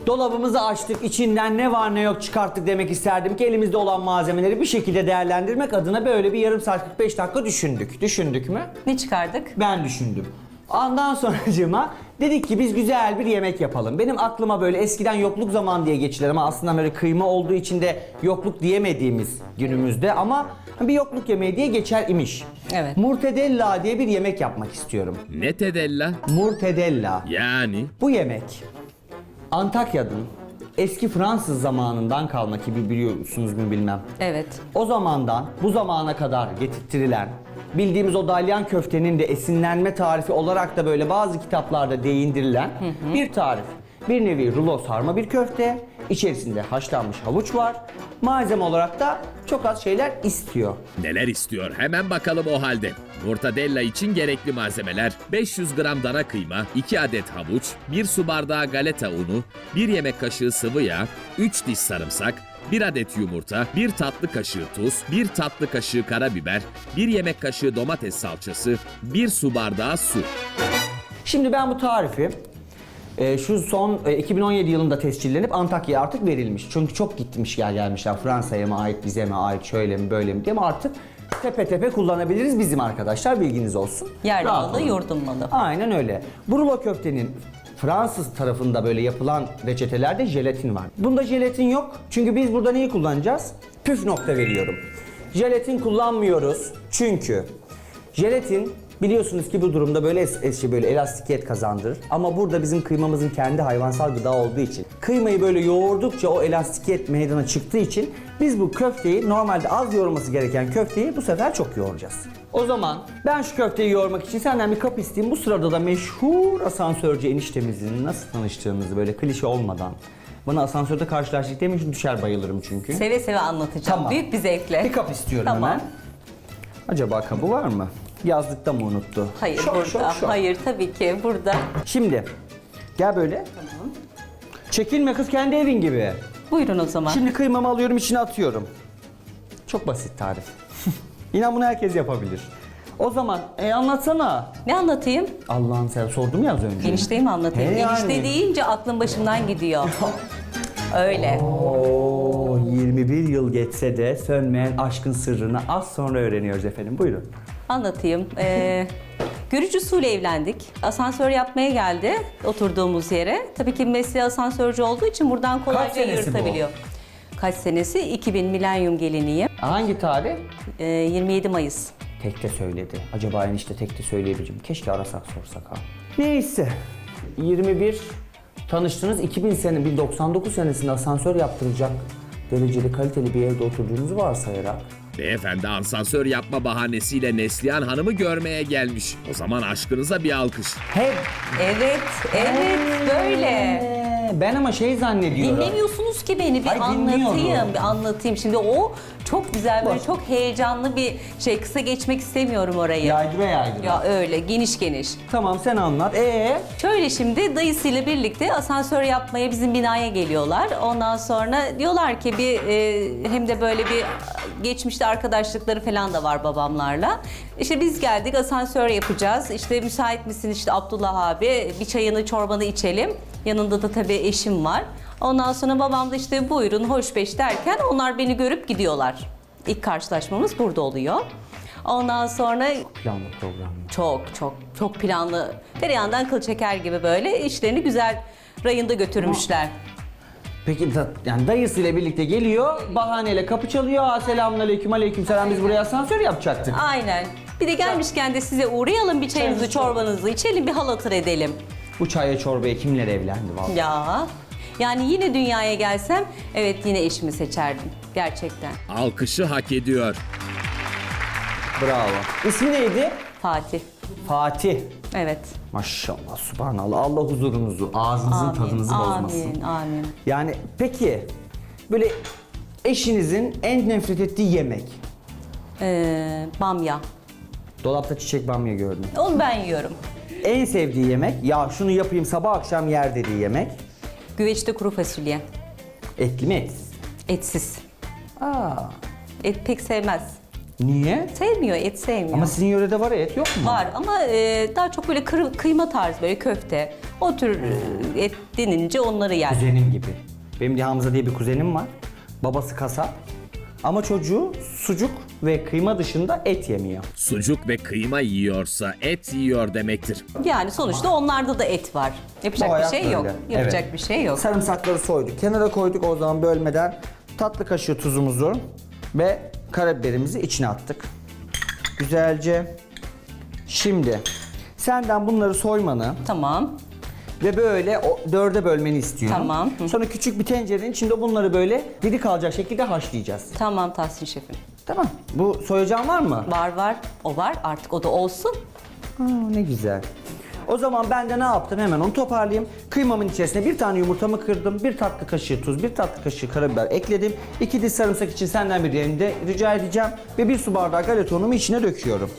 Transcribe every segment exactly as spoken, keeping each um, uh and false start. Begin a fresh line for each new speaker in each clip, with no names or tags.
Dolabımızı açtık, içinden ne var ne yok çıkarttık demek isterdim ki elimizde olan malzemeleri bir şekilde değerlendirmek adına böyle bir yarım saat kırk beş dakika düşündük. Düşündük mü?
Ne çıkardık?
Ben düşündüm. Ondan sonracığıma dedik ki biz güzel bir yemek yapalım. Benim aklıma böyle eskiden yokluk zaman diye geçilir ama aslında böyle kıyma olduğu için de yokluk diyemediğimiz günümüzde ama bir yokluk yemeği diye geçer imiş.
Evet.
Murtedella diye bir yemek yapmak istiyorum.
Ne tedella?
Murtedella.
Yani
Bu yemek Antakya'nın eski Fransız zamanından kalma ki biliyorsunuz mu bilmem.
Evet.
O zamandan bu zamana kadar getirtilen bildiğimiz o dalyan köftenin de esinlenme tarifi olarak da böyle bazı kitaplarda değindirilen hı hı. bir tarif. Bir nevi rulo sarma bir köfte, içerisinde haşlanmış havuç var. Malzeme olarak da çok az şeyler istiyor.
neler istiyor? Hemen bakalım o halde. Mortadella için gerekli malzemeler: beş yüz gram dana kıyma, iki adet havuç, bir su bardağı galeta unu, bir yemek kaşığı sıvı yağ, üç diş sarımsak, bir adet yumurta, bir tatlı kaşığı tuz, bir tatlı kaşığı karabiber, bir yemek kaşığı domates salçası, bir su bardağı su.
Şimdi ben bu tarifi e, şu son e, iki bin on yedi yılında tescillenip Antakya'ya artık verilmiş. Çünkü çok gitmiş gel gelmişler Fransa'ya mı ait, bize mi ait, şöyle mi böyle mi diye ama artık tepe tepe kullanabiliriz bizim arkadaşlar, bilginiz olsun.
Yerli
Rahat
malı,
olun.
yurdum malı.
Aynen öyle. Bu rulo köftenin Fransız tarafında böyle yapılan reçetelerde jelatin var. Bunda jelatin yok. Çünkü biz burada neyi kullanacağız? Püf nokta veriyorum. Jelatin kullanmıyoruz. Çünkü jelatin biliyorsunuz ki bu durumda böyle es es böyle elastikiyet kazandırır. Ama burada bizim kıymamızın kendi hayvansal gıda olduğu için kıymayı böyle yoğurdukça o elastikiyet meydana çıktığı için biz bu köfteyi normalde az yoğurması gereken köfteyi bu sefer çok yoğuracağız. O zaman ben şu köfteyi yoğurmak için senden bir kap isteyeyim. Bu sırada da meşhur asansörcü eniştemizin nasıl tanıştığımızı böyle klişe olmadan bana asansörde karşılaştık demiş, düşer bayılırım çünkü.
Seve seve anlatacağım.
Tamam.
Büyük bir zevkle.
Bir kap istiyorum
Tamam.
hemen. Acaba kabı var mı? Yazlıkta mı unuttu?
Hayır
Şok,
burada.
şok, şok.
Hayır tabii ki burada.
Şimdi gel böyle.
Tamam.
Çekilme kız, kendi evin gibi.
Buyurun o zaman.
Şimdi kıymamı alıyorum, içine atıyorum. Çok basit tarif. İnan bunu herkes yapabilir. O zaman e, anlatsana.
Ne anlatayım?
Allah'ım, sen sordum ya az önce.
Enişteyi mi anlatayım?
He
Enişte
yani.
deyince aklım başımdan gidiyor. Öyle.
Oo, yirmi bir yıl geçse de sönmeyen aşkın sırrını az sonra öğreniyoruz efendim. Buyurun.
Anlatayım. Ee, görücü usulü evlendik. Asansör yapmaya geldi oturduğumuz yere. Tabii ki mesleği asansörcü olduğu için buradan kolayca
senesi bu?
yırtabiliyor. Kaç senesi? iki bin milenyum geliniyim.
Hangi tarih?
Ee, yirmi yedi Mayıs.
Tekte söyledi. Acaba enişte tekte söyleyebileceğim. Keşke arasak sorsak ha. Neyse. yirmi bir tanıştınız. iki bin sene, bin doksan dokuz senesinde asansör yaptıracak dereceli kaliteli bir evde oturduğunuzu varsayarak.
Beyefendi asansör yapma bahanesiyle Neslihan Hanım'ı görmeye gelmiş. O zaman aşkınıza bir alkış.
Hep
Evet, evet böyle.
Ee, ben ama şey zannediyorum.
Dinlemiyorsunuz ki beni, bir
Ay,
anlatayım,
dinliyorum.
bir anlatayım. Şimdi o çok güzel, böyle
Bak.
çok heyecanlı bir şey. Kısa geçmek istemiyorum orayı.
Yaydıra yaydıra.
Ya öyle, geniş geniş.
Tamam, sen anlat. Ee?
Şöyle şimdi dayısıyla birlikte asansör yapmaya bizim binaya geliyorlar. Ondan sonra diyorlar ki bir e, hem de böyle bir geçmişte arkadaşlıkları falan da var babamlarla. İşte biz geldik, asansör yapacağız. İşte müsait misin işte Abdullah abi, bir çayını çorbanı içelim. Yanında da tabii eşim var. Ondan sonra babam da işte buyurun hoş beş derken onlar beni görüp gidiyorlar. İlk karşılaşmamız burada oluyor. Ondan sonra
Planlı program.
çok çok çok planlı, tereyağından kıl çeker gibi böyle işlerini güzel rayında götürmüşler.
Peki da, yani dayısıyla birlikte geliyor, bahaneyle kapı çalıyor. Aa, selamünaleyküm, aleykümselam, biz buraya asansör yapacaktık.
Aynen. Bir de gelmişken de size uğrayalım, bir çayınızı çorbanızı içelim, bir hal hatır edelim.
Bu çaya çorbaya kimler evlendi vallahi.
Ya yani yine dünyaya gelsem evet yine eşimi seçerdim gerçekten.
Alkışı hak ediyor.
Bravo. İsmi neydi?
Fatih.
Fatih.
Evet.
Maşallah, subhanallah. Allah huzurunuzu, ağzınızın
Amin.
tadınızı bozmasın.
Amin. Amin.
Yani peki böyle eşinizin en nefret ettiği yemek?
Ee, bamya.
Dolapta çiçek bamya gördüm.
Onu ben yiyorum.
En sevdiği yemek, ya şunu yapayım sabah akşam yer dediği yemek?
Güveçte kuru fasulye.
Etli mi etsiz?
Etsiz.
Aa,
Et pek sevmez.
niye?
Sevmiyor, et sevmiyor.
Ama sizin yörede var ya, et yok mu?
Var ama e, daha çok böyle kır- kıyma tarzı, böyle köfte. O tür e, et denilince onları yer.
Kuzenim gibi. Benim de Hamza diye bir kuzenim var. Babası kasap. Ama çocuğu sucuk ve kıyma dışında et yemiyor.
Sucuk ve kıyma yiyorsa et yiyor demektir.
Yani sonuçta onlarda da et var. Yapacak
Bayağı
bir şey yok.
öyle.
Yapacak
Evet.
bir şey yok.
Sarımsakları soyduk. Kenara koyduk o zaman bölmeden. Tatlı kaşığı tuzumuzu ve karabiberimizi içine attık. Güzelce. Şimdi senden bunları soymanı
Tamam.
ve böyle o dörde bölmeni istiyorum.
Tamam. Hı.
Sonra küçük bir tencerenin içinde bunları böyle diri kalacak şekilde haşlayacağız.
Tamam Tahsin şefim.
Tamam. Bu soyacağın var mı?
Var var. O var. Artık o da olsun.
Aa, ne güzel. O zaman ben de ne yaptım hemen onu toparlayayım. Kıymamın içerisine bir tane yumurtamı kırdım. Bir tatlı kaşığı tuz, bir tatlı kaşığı karabiber ekledim. İki diş sarımsak için senden bir yerini de rica edeceğim. Ve bir su bardağı galeta unumu içine döküyorum.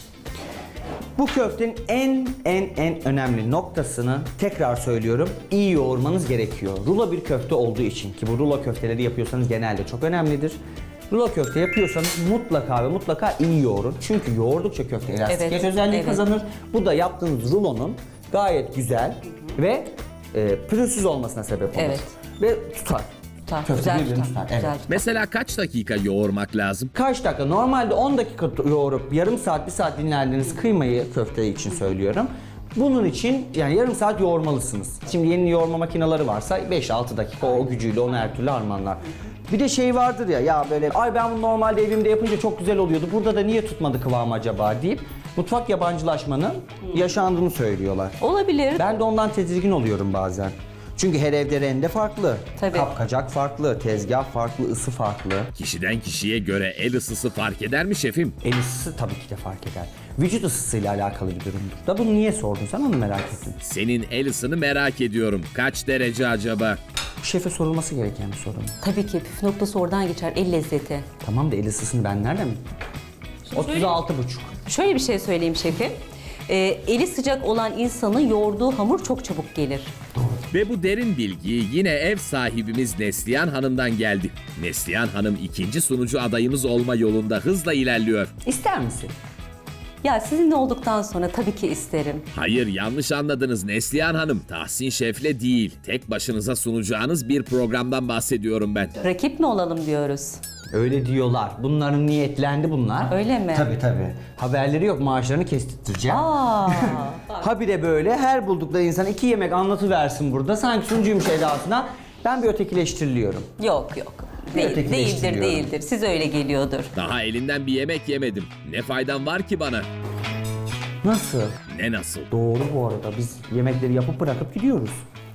Bu köftenin en en en önemli noktasını tekrar söylüyorum. İyi yoğurmanız gerekiyor. Rulo bir köfte olduğu için ki bu rulo köfteleri yapıyorsanız genelde çok önemlidir. Rulo köfte yapıyorsanız mutlaka ve mutlaka iyi yoğurun. Çünkü yoğurdukça köfte elastikiyet
Evet,
özelliği
evet.
kazanır. Bu da yaptığınız rulonun gayet güzel ve e, pürüzsüz olmasına sebep olur.
Evet.
Ve tutar.
Tutar,
Köfte
güzel
birbirini
tutar,
tutar.
güzel
Evet.
tutar.
Mesela kaç dakika yoğurmak lazım?
Kaç dakika? Normalde on dakika yoğurup yarım saat, bir saat dinlendiğiniz kıymayı köfte için söylüyorum. Bunun için yani yarım saat yoğurmalısınız. Şimdi yeni yoğurma makineleri varsa beş altı dakika o gücüyle onu her türlü harmanlar. Bir de şey vardır ya, ya böyle ay ben bunu normalde evimde yapınca çok güzel oluyordu. Burada da niye tutmadı kıvamı acaba deyip mutfak yabancılaşmanın yaşandığını söylüyorlar.
Olabilir.
Ben de ondan tedirgin oluyorum bazen. Çünkü her evde rende farklı,
Tabii.
kapkacak farklı, tezgah farklı, ısı farklı.
Kişiden kişiye göre el ısısı fark eder mi şefim?
El ısısı tabii ki de fark eder. Vücut ısısıyla alakalı bir durumdur. Da bunu niye sordun sen onu merak ettim.
Senin el ısını merak ediyorum. Kaç derece acaba?
Şefe sorulması gereken bir soru mu?
Tabii ki püf noktası oradan geçer. El lezzeti.
Tamam da el ısısını ben nereden mi? otuz altı buçuk.
Şöyle bir şey söyleyeyim şefim. Ee, eli sıcak olan insanın yoğurduğu hamur çok çabuk gelir.
Ve bu derin bilgi yine ev sahibimiz Neslihan Hanım'dan geldi. Neslihan Hanım ikinci sunucu adayımız olma yolunda hızla ilerliyor.
İster misin?
Ya sizinle olduktan sonra tabii ki isterim.
Hayır, yanlış anladınız Neslihan Hanım. Tahsin Şef'le değil, tek başınıza sunacağınız bir programdan bahsediyorum ben.
Rakip mi olalım diyoruz.
Öyle diyorlar. Bunların niyetlendi bunlar.
Öyle mi?
Tabii tabii. Haberleri yok, maaşlarını kestirteceğim.
Aa,
Habire böyle her buldukları insan iki yemek anlatıversin burada. Sanki sunucuymuş edasına. Ben bir ötekileştiriliyorum.
yok yok. Değil, değildir
ötekileştiriyorum.
değildir. Siz öyle geliyordur.
Daha elinden bir yemek yemedim. Ne faydan var ki bana?
Nasıl?
Ne nasıl?
Doğru bu arada. Biz yemekleri yapıp bırakıp gidiyoruz.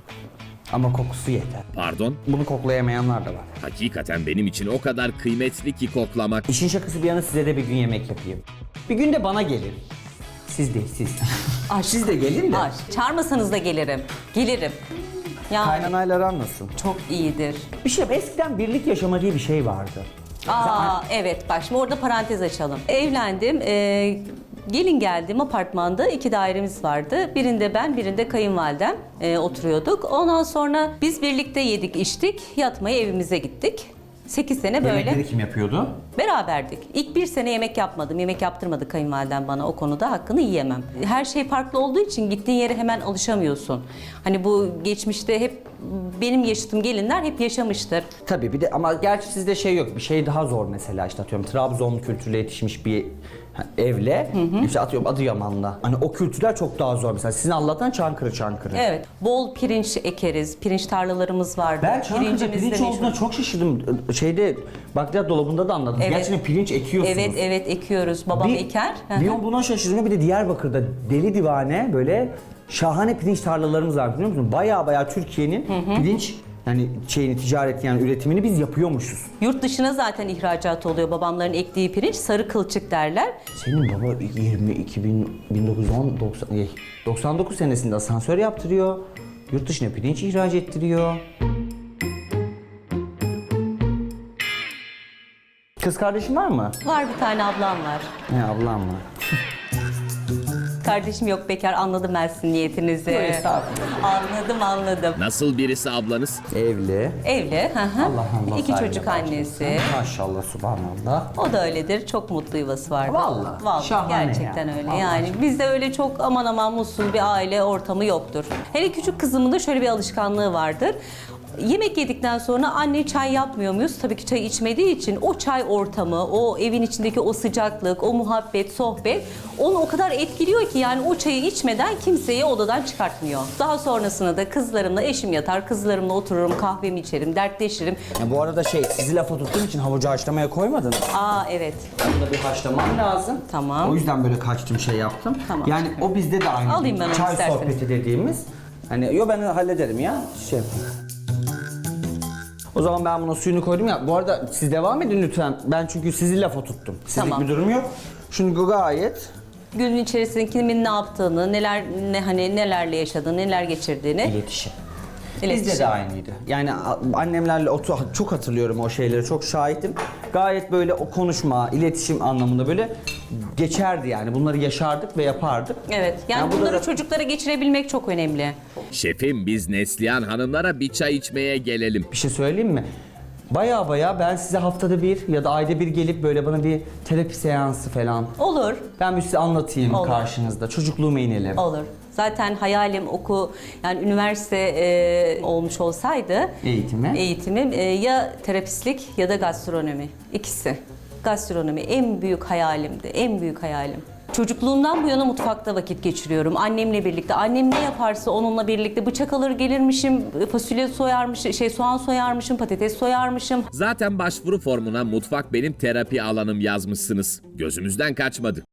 Ama kokusu yeter.
Pardon?
Bunu koklayamayanlar da var.
Hakikaten benim için o kadar kıymetli ki koklamak.
İşin şakası bir yana size de bir gün yemek yapayım. Bir gün de bana gelin. Siz değil siz.
Aşk.
Siz de gelin de.
Aşk. Çağırmasanız da gelirim. Gelirim. Yani
Kaynanayla aran nasıl?
çok iyidir.
Bir şey eskiden birlik yaşama diye bir şey vardı.
Aa evet bak şimdi orada parantez açalım. Evlendim. e, gelin geldim apartmanda iki dairemiz vardı. Birinde ben birinde kayınvalidem e, oturuyorduk. Ondan sonra biz birlikte yedik içtik. Yatmaya evimize gittik. sekiz sene böyle
Yemekleri kim yapıyordu?
beraberdik. İlk bir sene yemek yapmadım. Yemek yaptırmadı kayınvalidem bana. O konuda hakkını yiyemem. Her şey farklı olduğu için gittiğin yere hemen alışamıyorsun. Hani bu geçmişte hep benim yaşadığım gelinler hep yaşamıştır.
Tabii bir de ama gerçi sizde şey yok. Bir şey daha zor mesela işte atıyorum Trabzon kültürüyle yetişmiş bir ha, evle işte atıyorum Adıyaman'la. Hani o kültürler çok daha zor mesela. Sizin Allah'tan Çankırı Çankırı.
Evet. Bol pirinç ekeriz. Pirinç tarlalarımız vardı.
Ben Çankırı'da
Pirincimiz de
pirinç
meşhur.
olduğuna çok şaşırdım. Şeyde bakliyat dolabında da anladım.
Evet.
Gerçekten pirinç ekiyorsunuz.
Evet evet ekiyoruz. Babam eker. Hı
Bir
hı.
on buna şaşırdım. Bir de Diyarbakır'da deli divane böyle şahane pirinç tarlalarımız var biliyor musun? Baya baya Türkiye'nin pirinç yani şeyini ticaret yani üretimini biz yapıyormuşuz.
Yurt dışına zaten ihracat oluyor. Babamların ektiği pirinç sarı kılçık derler.
Senin baba yirmi iki bin bin dokuz yüz on doksan eh, doksan dokuz senesinde asansör yaptırıyor. Yurt dışına pirinç ihraç ettiriyor. Kız kardeşin var mı?
Var bir tane ablam var.
Ne ablam var.
kardeşim yok bekar, anladım ben sizin niyetinizi.
Yok, estağfurullah.
Anladım anladım.
Nasıl birisi ablanız?
Evli.
Evli. Hı hı.
Allah Allah.
İki
sahibi
çocuk
bağışlasın.
annesi.
Maşallah, subhanallah.
O da öyledir. Çok mutlu yuvası var.
Vallahi,
Vallahi
şahane
gerçekten
ya.
öyle.
Allah
Yani
aşkına.
bizde öyle çok aman aman mutsuz bir aile ortamı yoktur. Hele küçük kızımın da şöyle bir alışkanlığı vardır. Yemek yedikten sonra anne çay yapmıyor muyuz? Tabii ki çay içmediği için o çay ortamı, o evin içindeki o sıcaklık, o muhabbet, sohbet onu o kadar etkiliyor ki yani o çayı içmeden kimseyi odadan çıkartmıyor. Daha sonrasında da kızlarımla eşim yatar, kızlarımla otururum, kahvemi içerim, dertleşirim.
Ya bu arada şey, sizi lafa tuttuğum için havucu haşlamaya koymadın.
Aa evet.
Bunu da bir haşlamam lazım.
Tamam.
O yüzden böyle kaçtım, şey yaptım.
Tamam.
Yani o bizde de aynı.
Alayım ben onu
Çay
isterseniz.
sohbeti dediğimiz. Hani yo, ben hallederim ya. Şey yapayım. O zaman ben buna suyunu koydum ya. Bu arada siz devam edin lütfen. Ben çünkü sizi lafa tuttum. Sizlik
Tamam.
bir durum yok. Şimdi gayet
Günün içerisinde kimin ne yaptığını, neler ne hani nelerle yaşadığını, neler geçirdiğini.
iletişim. Bizde
İletişim.
de aynıydı. Yani a- annemlerle otur, çok hatırlıyorum o şeyleri, çok şahitim. Gayet böyle o konuşma, iletişim anlamında böyle geçerdi yani. Bunları yaşardık ve yapardık.
Evet. Yani
Ya bu da
bunları
zaten-
çocuklara geçirebilmek çok önemli.
Şefim biz Neslihan hanımlara bir çay içmeye gelelim.
Bir şey söyleyeyim mi? Baya baya ben size haftada bir ya da ayda bir gelip böyle bana bir terapi seansı falan.
Olur.
Ben bir size anlatayım
Olur.
karşınızda. Çocukluğuma inelim.
Olur. Zaten hayalim oku yani üniversite e, olmuş olsaydı
Eğitimi.
eğitimim e, ya terapistlik ya da gastronomi. İkisi. Gastronomi en büyük hayalimdi. En büyük hayalim. Çocukluğumdan bu yana mutfakta vakit geçiriyorum. Annemle birlikte. Annem ne yaparsa onunla birlikte bıçak alır gelirmişim, fasulye soyarmışım, şey soğan soyarmışım, patates soyarmışım.
Zaten başvuru formuna mutfak benim terapi alanım yazmışsınız. Gözümüzden kaçmadı.